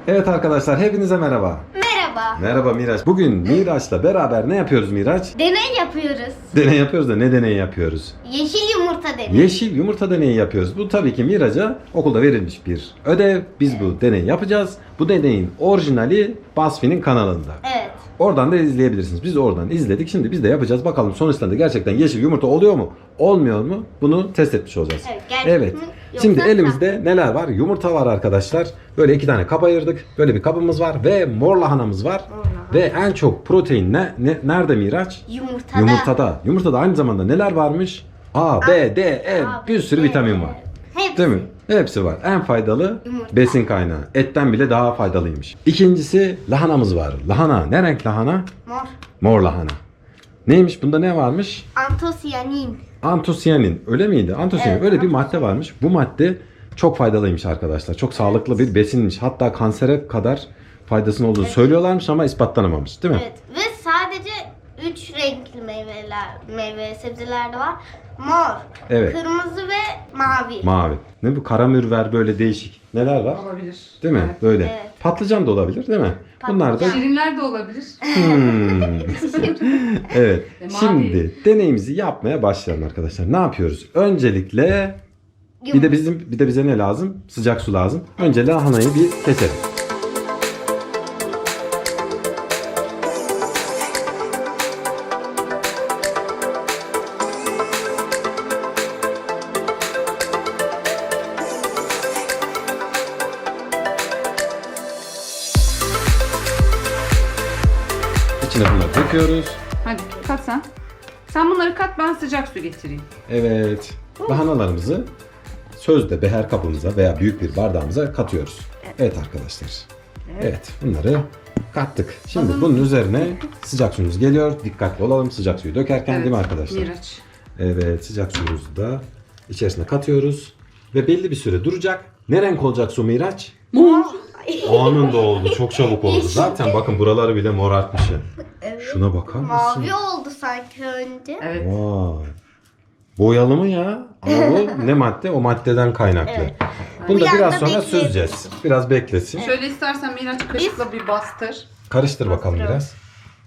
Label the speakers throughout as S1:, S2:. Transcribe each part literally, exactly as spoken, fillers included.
S1: Evet arkadaşlar, hepinize merhaba.
S2: Merhaba.
S1: Merhaba Miraç. Bugün Miraç'la beraber ne yapıyoruz Miraç?
S2: Deney yapıyoruz.
S1: Deney yapıyoruz da ne deneyi yapıyoruz?
S2: Yeşil yumurta deneyi.
S1: Yeşil yumurta deneyi yapıyoruz. Bu tabii ki Miraç'a okulda verilmiş bir ödev. Biz bu deneyi yapacağız. Bu deneyin orijinali BuzzFeed'in kanalında.
S2: Evet.
S1: Oradan da izleyebilirsiniz. Biz oradan izledik. Şimdi biz de yapacağız. Bakalım sonuçlarında gerçekten yeşil yumurta oluyor mu? Olmuyor mu? Bunu test etmiş olacağız.
S2: Evet, gerçek
S1: Evet.
S2: mi? Yoksa
S1: Şimdi
S2: sahte.
S1: elimizde neler var? Yumurta var arkadaşlar. Böyle iki tane kap ayırdık. Böyle bir kabımız var ve mor lahanamız var.
S2: Mor lahana.
S1: Ve en çok protein ne, ne nerede Miraç?
S2: Yumurtada.
S1: Yumurtada. Yumurtada aynı zamanda neler varmış? A, B, D, E
S2: A,
S1: bir sürü
S2: B,
S1: vitamin var.
S2: Hepsi.
S1: Değil mi? Hepsi var. En faydalı
S2: Yumurta.
S1: besin kaynağı. Etten bile daha faydalıymış. İkincisi lahanamız var. Lahana. Ne renk lahana?
S2: Mor.
S1: Mor lahana. Neymiş? Bunda ne varmış?
S2: Antosiyanin.
S1: Antosiyanin. Öyle miydi? Antosiyanin.
S2: Evet,
S1: Öyle bir
S2: antosiyanin.
S1: madde varmış. Bu madde çok faydalıymış arkadaşlar. Çok sağlıklı bir besinmiş. Hatta kansere kadar faydasının olduğunu söylüyorlarmış ama ispatlanamamış. Değil mi?
S2: Evet. Ve sadece üç renkli meyveler, meyve sebzeler de var. Mor,
S1: Evet.
S2: kırmızı ve mavi.
S1: Mavi. Ne bu? Karamürver böyle değişik. Neler var?
S3: Olabilir.
S1: Değil mi?
S3: Evet.
S1: Böyle.
S2: Evet.
S1: Patlıcan da olabilir değil mi? Bunlar da
S2: Patlıcan.
S3: Şirinler de olabilir.
S1: Hmm. Evet.
S3: E, mavi.
S1: Şimdi deneyimizi yapmaya başlayalım arkadaşlar. Ne yapıyoruz? Öncelikle bir de bizim bir de bize ne lazım? Sıcak su lazım. Önce lahanayı bir keselim. İçine bunları döküyoruz.
S3: Hadi kat sen. Sen bunları kat, ben sıcak su getireyim.
S1: Evet. Lahanalarımızı sözde beher kabımıza veya büyük bir bardağımıza katıyoruz. Evet arkadaşlar. Evet, bunları kattık. Şimdi
S3: Hazır
S1: bunun üzerine sıcak suyumuz geliyor. Dikkatli olalım sıcak suyu dökerken değil mi arkadaşlar?
S3: Miraç.
S1: Evet, sıcak suyumuzu da içerisine katıyoruz. Ve belli bir süre duracak. Ne renk olacak su Miraç?
S3: Mor.
S1: Anında oldu. Çok çabuk oldu. Zaten bakın buraları bile morartmış ya.
S2: Evet.
S1: Şuna bakar mısın?
S2: Mavi oldu sanki önce.
S3: Evet.
S1: Vay. Boyalı mı ya? Ama bu ne madde? O maddeden kaynaklı.
S2: Evet.
S1: Bunu da
S2: Bir
S1: biraz
S2: anda
S1: sonra
S2: bekleyelim.
S1: süzeceğiz. Biraz beklesin.
S3: Şöyle istersen Miraç kaşıkla bir bastır.
S1: Karıştır bakalım
S2: Bastıralım.
S1: biraz.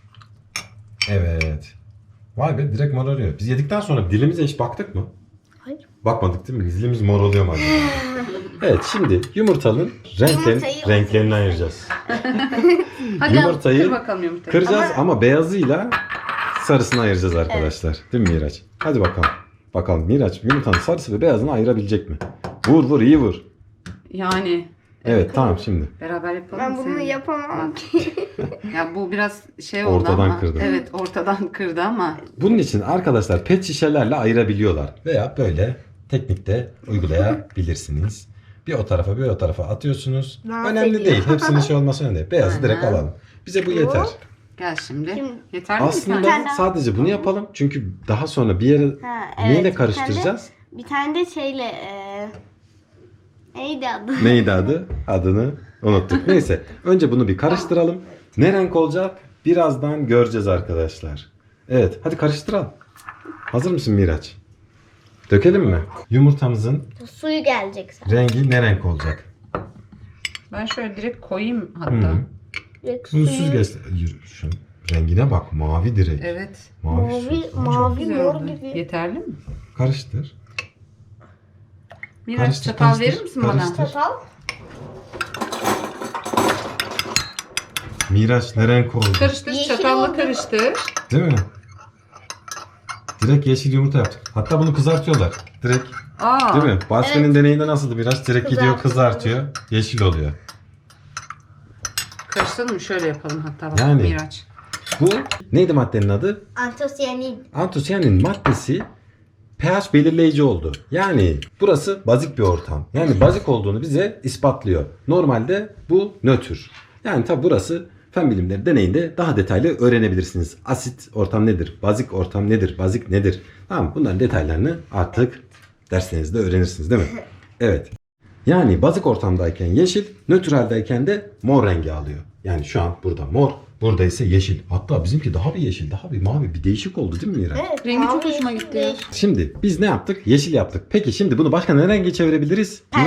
S1: Evet. Vay be, direkt morarıyor. Biz yedikten sonra dilimize hiç baktık mı?
S2: Hayır.
S1: Bakmadık değil mi? Dilimiz mor oluyor mu acaba? Evet, şimdi yumurtanın renklerini,
S2: Yumurtayı-
S1: renklerini ayıracağız.
S3: Hadi
S1: Yumurtayı
S3: kır bakalım yumurtayı.
S1: Kıracağız ama, beyazıyla sarısını ayıracağız arkadaşlar. Değil mi Miraç? Hadi bakalım. Bakalım Miraç yumurtanın sarısı ve beyazını ayırabilecek mi? Vur vur, iyi vur.
S3: Yani
S1: Evet, tamam şimdi.
S3: beraber yapalım.
S2: Ben bunu
S3: seninle.
S2: yapamam
S3: Bak.
S2: ki.
S3: Ya bu biraz şey oldu
S1: Ortadan
S3: ama.
S1: kırdı.
S3: Evet, ortadan kırdı ama.
S1: Bunun için arkadaşlar pet şişelerle ayırabiliyorlar. Veya böyle teknikte uygulayabilirsiniz. Bir o tarafa bir o tarafa atıyorsunuz.
S2: Dans
S1: Önemli
S2: ediyor.
S1: değil. Hepsinin şey olması önemli değil. Beyazı direkt
S3: Aha.
S1: alalım. Bize bu yeter.
S3: Gel şimdi.
S2: Şimdi-
S3: Yeterli mi?
S1: Aslında
S2: tane daha.
S1: sadece bunu yapalım. Çünkü daha sonra bir yere
S2: Ha,
S1: neyle
S2: evet,
S1: karıştıracağız?
S2: Bir tane de, bir tane de şeyle e, neydi adı?
S1: Neydi adı? Adını unuttuk. Neyse. Önce bunu bir karıştıralım. Ne renk olacak? Birazdan göreceğiz arkadaşlar. Evet. Hadi karıştıralım. Hazır mısın Miraç? Dökelim mi? Yumurtamızın
S2: Suyu gelecek zaten.
S1: rengi ne renk olacak?
S3: Ben şöyle direkt koyayım hatta.
S1: Hı.
S2: Direkt
S1: Bunu
S2: suyu-
S1: süzgeç. Yürü, Şunun rengine bak. Mavi direkt.
S3: Evet.
S1: Mavi,
S2: Mavi,
S1: su.
S2: mavi
S3: Güzel
S2: mor
S3: oldu.
S2: gibi.
S3: Yeterli mi?
S1: Karıştır.
S3: Miraç
S1: Karıştır,
S3: çatal
S1: karıştır,
S3: verir misin
S1: karıştır.
S3: bana?
S2: Çatal.
S1: Miraç ne renk oldu?
S3: Karıştır,
S2: Yeşil
S3: çatalla
S2: oldu.
S3: karıştır.
S1: Değil mi? Direkt yeşil yumurta yaptık. Hatta bunu kızartıyorlar. Direkt.
S3: Aa.
S1: Değil mi? Basri'nin
S2: Evet.
S1: deneyinde nasıldı Miraç? Direkt gidiyor
S2: Kızartıyor.
S1: kızartıyor. Yeşil oluyor.
S3: Karıştıralım mı? Şöyle yapalım hatta bak
S1: Yani.
S3: Miraç.
S1: Bu neydi maddenin adı?
S2: Antosiyanin.
S1: Antosiyanin maddesi pH belirleyici oldu. Yani burası bazik bir ortam. Yani bazik olduğunu bize ispatlıyor. Normalde bu nötr. Yani tabi burası fen bilimleri deneyinde daha detaylı öğrenebilirsiniz. Asit ortam nedir? Bazik ortam nedir? Bazik nedir? Tamam, bunların detaylarını artık derslerinizde öğrenirsiniz değil mi? Evet. Yani bazik ortamdayken yeşil, nötraldeyken de mor rengi alıyor. Yani şu an burada mor, burada ise yeşil. Hatta bizimki daha bir yeşil, daha bir mavi, bir değişik oldu değil mi Mira?
S2: Evet,
S3: Rengi çok
S2: mavi
S3: hoşuma gitti.
S2: değil.
S1: Şimdi biz ne yaptık? Yeşil yaptık. Peki şimdi bunu başka ne renge çevirebiliriz?
S2: Pembe.
S1: Miraç,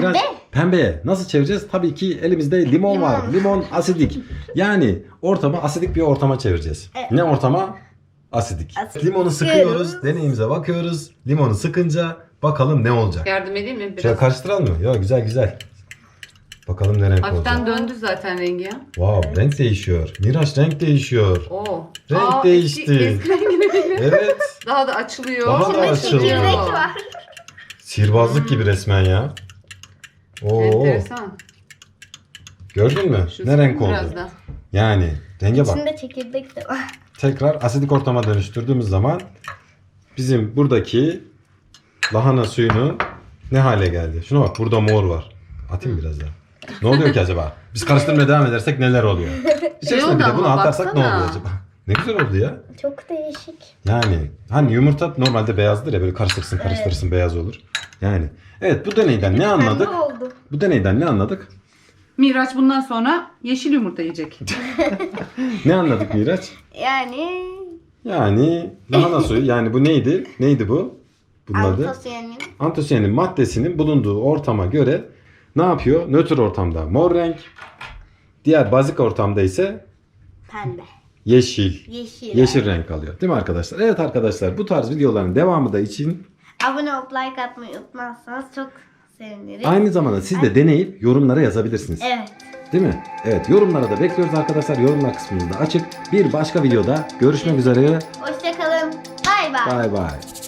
S1: pembeye nasıl çevireceğiz? Tabii ki elimizde limon,
S2: Limon.
S1: var. Limon asidik. Yani ortamı asidik bir ortama çevireceğiz.
S2: Evet.
S1: Ne ortama? Asidik.
S2: Asidik.
S1: Limonu sıkıyoruz. Deneyimize bakıyoruz. Limonu sıkınca bakalım ne olacak.
S3: Yardım edeyim mi? Biraz.
S1: Şöyle karıştıralım mı? Yok, güzel güzel. Bakalım ne renk
S3: Hafiften
S1: olacak.
S3: döndü zaten rengi ya.
S1: Wow, renk değişiyor. Miraç, renk değişiyor.
S3: Oo.
S1: Renk
S3: Aa,
S1: değişti.
S3: eski, eski rengine geliyor.
S1: Evet.
S3: Daha da açılıyor.
S1: Daha da
S2: İçinde
S1: açılıyor.
S2: çekirdek var.
S1: Sihirbazlık gibi resmen ya. Oo.
S3: Enteresan.
S1: Gördün mü?
S3: Şu
S1: Ne renk
S3: sıkın
S1: oldu?
S3: biraz da.
S1: Yani renge bak.
S2: İçinde çekirdek de var.
S1: Tekrar asidik ortama dönüştürdüğümüz zaman bizim buradaki lahana suyunu ne hale geldi? Şuna bak, burada mor var. Atayım biraz daha. Ne oluyor ki acaba? Biz karıştırmaya devam edersek neler oluyor? İçerisine
S3: oldu
S1: bir de bunu
S3: ama
S1: atarsak ne
S3: baksana.
S1: oluyor acaba? Ne güzel oldu ya.
S2: Çok değişik.
S1: Yani hani yumurta normalde beyazdır ya, böyle karıştırırsın karıştırırsın beyaz olur. Yani evet, bu deneyden ne anladık?
S2: Pembe oldu.
S1: Bu deneyden ne anladık?
S3: Miraç bundan sonra yeşil yumurta yiyecek.
S1: Ne anladık Miraç?
S2: Yani
S1: Yani lahana suyu, yani bu neydi? Neydi bu? Bunun adı?
S2: antosiyanin.
S1: Antosiyanin maddesinin bulunduğu ortama göre ne yapıyor? Nötr ortamda mor renk, diğer bazik ortamda ise
S2: Pembe.
S1: yeşil.
S2: Yeşil.
S1: Yeşil renk alıyor. Değil mi arkadaşlar? Evet arkadaşlar, bu tarz videoların devamı da için
S2: Abone olup like atmayı unutmazsanız çok seviniriz.
S1: aynı zamanda siz de deneyip yorumlara yazabilirsiniz.
S2: Evet.
S1: Değil mi? Evet, yorumlara da bekliyoruz arkadaşlar. Yorumlar kısmımız da açık. Bir başka videoda görüşmek üzere.
S2: Hoşçakalın. Bay bay.
S1: Bay bay.